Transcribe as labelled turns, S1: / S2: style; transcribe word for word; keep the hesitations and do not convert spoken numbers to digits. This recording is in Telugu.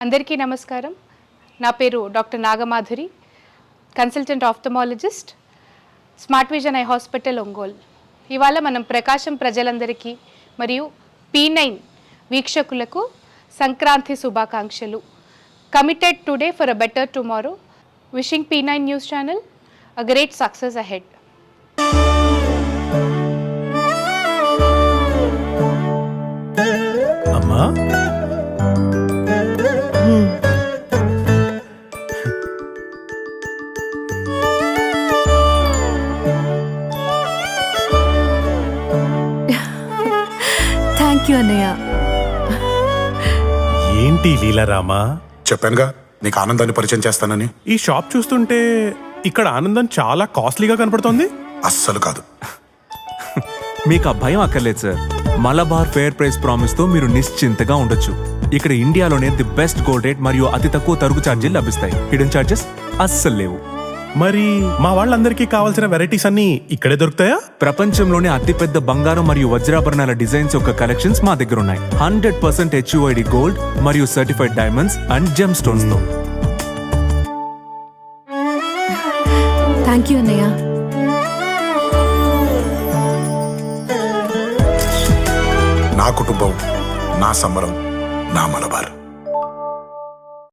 S1: అందరికీ నమస్కారం. నా పేరు doctor Nagamadhuri, consultant ophthalmologist, smart vision eye hospital Ongole. ఇవాళ మనం ప్రకాశం ప్రజలందరికీ మరియు పీ నైన్ వీక్షకులకు సంక్రాంతి శుభాకాంక్షలు. Committed today for a better tomorrow. Wishing P nine news channel a great success ahead.
S2: అమ్మా,
S3: థ్యాంక్ యూ అన్నయ్య.
S2: ఏంటి లీలారామా?
S4: చెప్పానుగా నీకు ఆనందాన్ని పరిచయం చేస్తానని.
S2: ఈ షాప్ చూస్తుంటే ఇక్కడ ఆనందం చాలా కాస్ట్లీగా కనపడుతోంది.
S4: అస్సలు కాదు.
S5: మీకు ఆ భయం అక్కర్లేదు sir. Malabar fair price promise తో మీరు నిశ్చింతగా ఉండొచ్చు. ఇక్కడ ఇండియాలోనే ది బెస్ట్ గోల్డ్ రేట్ మరియు అతి తక్కువ తరుగు ఛార్జీలు లభిస్తాయి. హిడెన్ ఛార్జెస్ అస్సలు లేవు.
S2: మరి మా వాళ్ళందరికీ కావాల్సిన వెరైటీస్ అన్ని ఇక్కడే దొరుకుతాయా?
S5: ప్రపంచంలోనే అతిపెద్ద బంగారం మరియు వజ్రాభరణాల డిజైన్స్ యొక్క కలెక్షన్స్ మా దగ్గర ఉన్నాయి. హండ్రెడ్ పర్సెంట్ హెచ్యుఐడి గోల్డ్ మరియు certified diamonds and gem stones తో.
S3: థ్యాంక్ యూ అన్నయ్య.
S4: నా కుటుంబం, నా సంబరం, నా మలబార్.